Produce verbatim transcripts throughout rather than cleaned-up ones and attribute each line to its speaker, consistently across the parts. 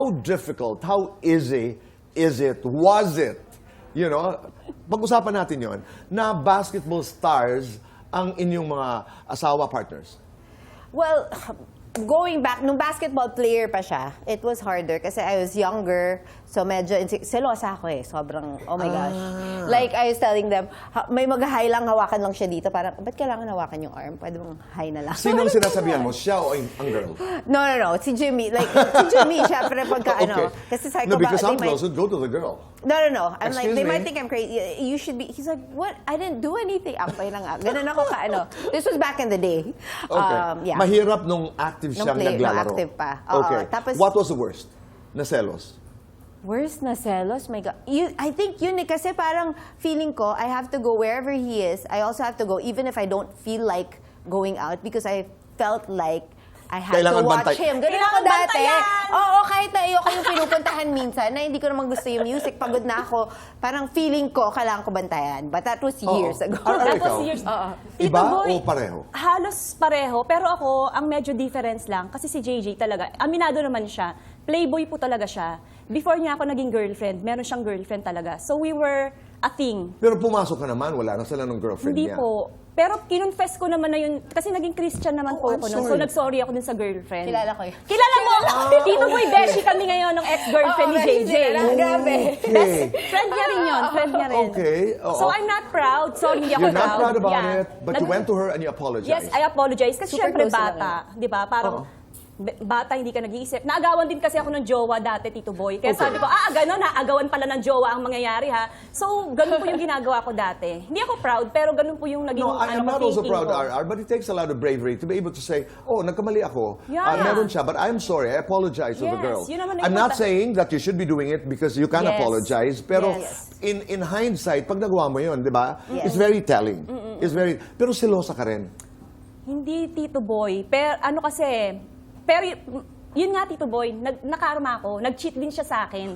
Speaker 1: How difficult, how easy is it, was it, you know, pag-usapan natin yon na basketball stars ang inyong mga asawa partners?
Speaker 2: Well, going back, nung basketball player pa siya, it was harder kasi I was younger, so medyo inse- selosa ako eh. Sobrang, oh my gosh.
Speaker 1: Ah.
Speaker 2: Like, I was telling them, ha- may mag-high lang, hawakan lang siya dito. Parang, ba't kailangan hawakan yung arm? Pwede mong high na lang.
Speaker 1: Sinong sinasabihan mo, siya o ang ang girl?
Speaker 2: No, no, no. Si Jimmy. Like, si Jimmy, syempre pagka ano. Kasi sabi
Speaker 1: No,
Speaker 2: ko ba,
Speaker 1: because
Speaker 2: they
Speaker 1: I'm
Speaker 2: might-
Speaker 1: close, go to the girl.
Speaker 2: No, no, no. I'm like,
Speaker 1: Excuse
Speaker 2: they
Speaker 1: me?
Speaker 2: might think I'm crazy. You should be, he's like, what? I didn't do anything. Ampay na nga. Ganun ako ka, ano. This was back in the day.
Speaker 1: Okay.
Speaker 2: Um, yeah.
Speaker 1: Mahirap nung active
Speaker 2: Nung
Speaker 1: siyang
Speaker 2: play- nung
Speaker 1: naglalaro.
Speaker 2: active pa. Oo,
Speaker 1: Okay.
Speaker 2: tapos-
Speaker 1: What was the worst? Na selos?
Speaker 2: Worst na selos? My God. You, I think yun eh, kasi parang feeling ko, I have to go wherever he is. I also have to go even if I don't feel like going out because I felt like I had
Speaker 1: Kailangan
Speaker 2: to watch
Speaker 1: bantay-
Speaker 2: him. Ganun ako
Speaker 3: Kailangan
Speaker 2: dati.
Speaker 3: bantayan!
Speaker 2: Oo, kahit na ayoko yung pinupuntahan minsan, na hindi ko naman gusto yung music, pagod na ako, parang feeling ko, kailangan ko bantayan. But that was years
Speaker 1: Oo.
Speaker 2: ago.
Speaker 1: Ar- ar-
Speaker 3: That
Speaker 1: ikaw?
Speaker 3: was years.
Speaker 2: Oo.
Speaker 3: Tito
Speaker 1: Iba
Speaker 3: Boy,
Speaker 1: o pareho?
Speaker 3: Halos pareho. Pero ako, ang medyo difference lang, kasi si J J talaga, aminado naman siya, playboy po talaga siya. Before niya ako naging girlfriend, meron siyang girlfriend talaga. So we were a thing.
Speaker 1: Pero pumasok ka naman, wala na sila ng girlfriend
Speaker 3: Hindi
Speaker 1: niya.
Speaker 3: po. Pero kinonfess ko naman na yun, kasi naging Christian naman
Speaker 1: Oh,
Speaker 3: po
Speaker 1: I'm
Speaker 3: ako nun. So
Speaker 1: sorry.
Speaker 3: nag-sorry ako dun sa girlfriend.
Speaker 2: Kilala ko yun.
Speaker 3: Kilala mo! Tito Boy, beshi kami ngayon ng ex-girlfriend
Speaker 2: Oo,
Speaker 3: ni J J.
Speaker 2: beshi din. Grabe.
Speaker 1: Okay.
Speaker 3: Friend niya rin yun, friend niya rin.
Speaker 1: Okay, oo.
Speaker 3: So I'm not proud. Sorry, hindi ako
Speaker 1: You're not proud about
Speaker 3: Yeah.
Speaker 1: it, but you
Speaker 3: Nag-
Speaker 1: went to her and you apologized.
Speaker 3: Yes, I apologize. Kasi
Speaker 2: Super
Speaker 3: syempre
Speaker 2: close sila
Speaker 3: bata. Di ba? Parang
Speaker 1: Oo.
Speaker 3: b- bata, hindi ka nag-iisip. Naagawan din kasi ako ng jowa dati, Tito Boy. Kaya
Speaker 1: Okay.
Speaker 3: sabi ko, ah, gano'n, naagawan pala ng jowa ang mangyayari ha. So, ganun po yung ginagawa ko dati. Hindi ako proud, pero ganun po yung naging
Speaker 1: No, I am
Speaker 3: ano,
Speaker 1: not also
Speaker 3: thinking
Speaker 1: proud,
Speaker 3: ko.
Speaker 1: R R, but it takes a lot of bravery to be able to say, oh, nagkamali ako.
Speaker 3: Yeah.
Speaker 1: Ah, meron siya, but I'm sorry, I apologize to the
Speaker 3: Yes,
Speaker 1: girl.
Speaker 3: yun naman ang
Speaker 1: I'm not
Speaker 3: important.
Speaker 1: saying that you should be doing it because you can
Speaker 3: Yes.
Speaker 1: apologize, pero
Speaker 3: Yes.
Speaker 1: in in hindsight, pag nagawa mo yun, di ba?
Speaker 2: Yes.
Speaker 1: It's very telling. It's very, pero selosa ka rin.
Speaker 3: Hindi, Tito Boy. Pero ano kasi, pero y- yun nga, Tito Boy, nag, nakarma ako. Nag-cheat din siya sa akin.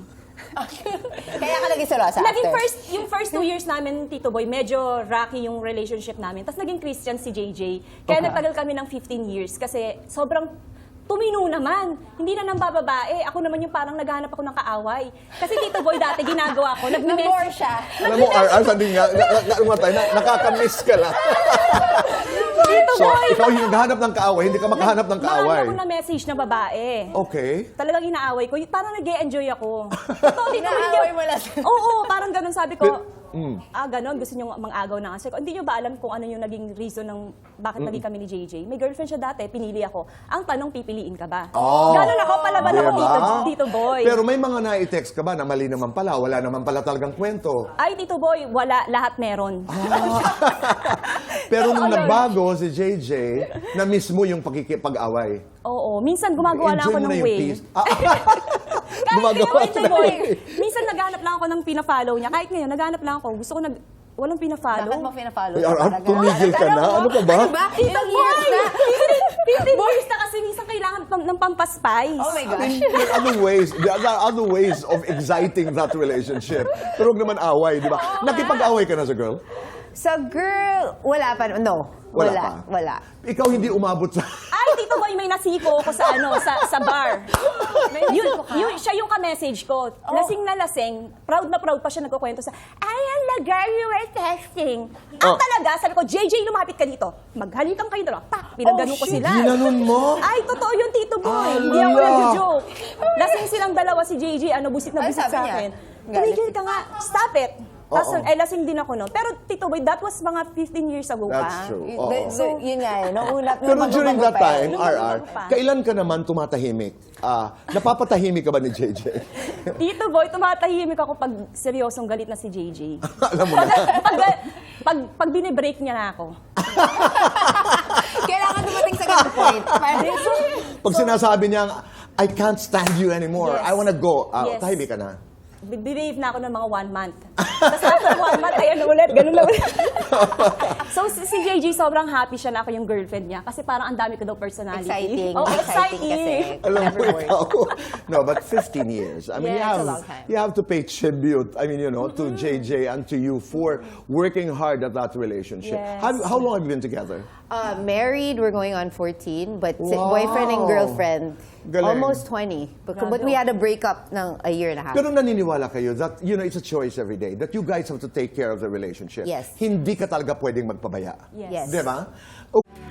Speaker 2: Kaya ka naging selosa
Speaker 3: Naging
Speaker 2: after.
Speaker 3: first, yung first two years namin, Tito Boy, medyo rocky yung relationship namin. Tapos naging Christian si J J. Kaya
Speaker 1: Okay.
Speaker 3: nagtagal kami ng fifteen years kasi sobrang tumino naman. Hindi na nang bababae. Ako naman yung parang naghahanap ako ng kaaway. Kasi Tito Boy, dati ginagawa ko.
Speaker 2: Nag-bore siya.
Speaker 1: Alam mo, R R, sanding nga, nga, nga, nga, tayo, na, nakakamiss ka lang.
Speaker 3: Tito
Speaker 1: So,
Speaker 3: Boy!
Speaker 1: ikaw yung naghahanap ng kaaway, hindi ka makahanap ng kaaway.
Speaker 3: Marami ako na message na babae.
Speaker 1: Okay.
Speaker 3: Talagang inaaway ko. Parang nag-e-enjoy ako. Totoo, Tito Boy.
Speaker 2: Inaaway mo lang.
Speaker 3: Oo, parang ganun sabi ko.
Speaker 1: Pero- mm.
Speaker 3: Ah, ganun. Gusto niyo mang-agaw na kasi. Hindi niyo ba alam kung ano yung naging reason ng bakit naging kami ni J J? May girlfriend siya dati, pinili ako. Ang tanong, pipiliin ka ba?
Speaker 1: Oh,
Speaker 3: Ganun ako, palaban ako,
Speaker 1: diba?
Speaker 3: Tito, Tito Boy.
Speaker 1: Pero may mga na-text ka ba na mali naman pala, wala naman pala talagang kwento.
Speaker 3: Ay, Tito Boy, wala. Lahat meron.
Speaker 1: Pero nung
Speaker 3: Oo, yun.
Speaker 1: nagbago si J J, na mismo yung pagkikipag-away.
Speaker 3: Oo. Minsan gumagawa lang
Speaker 1: Enjoy
Speaker 3: ako
Speaker 1: mo
Speaker 3: ng
Speaker 1: na yung
Speaker 3: way.
Speaker 1: peace. Ah,
Speaker 3: Kahit
Speaker 1: gumagawa
Speaker 3: ngayon, Tito
Speaker 1: na
Speaker 3: Boy,
Speaker 1: ng way.
Speaker 3: minsan naghanap lang ako ng pina-follow niya. Kahit ngayon, naghanap lang ako. Gusto ko nag... Walang pina-follow.
Speaker 2: Bakit mo pina-follow?
Speaker 1: Ay, R R,
Speaker 2: Talaga?
Speaker 1: tumigil ka na? Ano ka ba?
Speaker 2: Diba? Ilang years na?
Speaker 3: fifteen years na kasi minsan kailangan pam- ng pampaspice.
Speaker 2: Oh my gosh.
Speaker 1: There are other ways, there are other ways of exciting that relationship. Pero huwag naman away, di ba? Nakipag-away ka na sa girl?
Speaker 2: Sa girl, wala pa. No.
Speaker 1: Wala
Speaker 2: Wala.
Speaker 1: pa.
Speaker 2: Wala.
Speaker 1: Ikaw hindi umabot sa...
Speaker 3: Ay, Tito Boy, may nasiko ko sa ano, sa sa bar.
Speaker 2: May
Speaker 3: Yun,
Speaker 2: nasiko ka?
Speaker 3: yun, siya yung ka-message ko. Lasing na lasing, proud na proud pa siya nagkukwento sa, ay, ang lagar, you were texting. Ang
Speaker 1: Oh.
Speaker 3: talaga, sabi ko, J J, lumapit ka dito. Maghalikan kayo dalawa. Pa, pinagganon
Speaker 2: Oh,
Speaker 3: ko
Speaker 2: shit.
Speaker 3: sila.
Speaker 1: Ginanon mo?
Speaker 3: Ay, totoo yun, Tito Boy.
Speaker 1: Ah,
Speaker 3: Hindi ako
Speaker 1: lala.
Speaker 3: nag-joke. Lasing silang dalawa si J J, ano, busit na
Speaker 2: Ano
Speaker 3: busit
Speaker 2: sabi
Speaker 3: sa
Speaker 2: niya?
Speaker 3: akin.
Speaker 2: Galit.
Speaker 3: Tumigil ka nga, stop it. Tapos,
Speaker 1: Oo.
Speaker 3: eh, lasing din ako noon. Pero, Tito Boy, that was mga fifteen years ago pa.
Speaker 1: That's true.
Speaker 2: Y-
Speaker 1: Oo.
Speaker 2: the- the- yun nga eh. Nung una,
Speaker 1: Pero
Speaker 2: nung
Speaker 1: during
Speaker 2: bago-bago
Speaker 1: that
Speaker 2: pa
Speaker 1: time,
Speaker 2: eh.
Speaker 1: R R,
Speaker 3: pa.
Speaker 1: kailan ka naman tumatahimik? Ah, napapatahimik ka ba ni J J?
Speaker 3: Tito Boy, tumatahimik ako pag seryosong galit na si J J.
Speaker 1: Alam mo na.
Speaker 3: pag, pag, pag binibreak niya na ako.
Speaker 2: Kailangan dumating sa ganung point. Parang,
Speaker 1: Pag sinasabi niya, I can't stand you anymore,
Speaker 3: Yes.
Speaker 1: I wanna go, ah,
Speaker 3: Yes.
Speaker 1: tahimik ka na.
Speaker 3: Behave na ako ng mga one month. Tapos after one month, ayan na ulit, ganun na ulit. So si, si J J, sobrang happy siya na ako yung girlfriend niya kasi parang ang dami ko daw personality.
Speaker 2: exciting.
Speaker 3: Oh,
Speaker 2: exciting kasi.
Speaker 1: Alam mo
Speaker 2: Never work.
Speaker 1: ikaw. No, but fifteen years. I mean,
Speaker 3: Yeah,
Speaker 1: you
Speaker 3: it's
Speaker 1: have
Speaker 2: a long time.
Speaker 1: you have to pay tribute. I mean, you know, to J J and to you for working hard at that relationship.
Speaker 3: Yes.
Speaker 1: How, how long have you been together?
Speaker 2: Uh, married, we're going on fourteen, but si-
Speaker 1: Wow.
Speaker 2: boyfriend and girlfriend,
Speaker 1: Galing.
Speaker 2: almost twenty. But, but we had a breakup ng a year and a half.
Speaker 1: Pero naniniwala kayo that, you know, it's a choice every day, that you guys have to take care of the relationship.
Speaker 2: Yes.
Speaker 1: Hindi ka talaga pwedeng magpabaya.
Speaker 3: Yes.
Speaker 2: Yes.
Speaker 1: Di ba? Okay.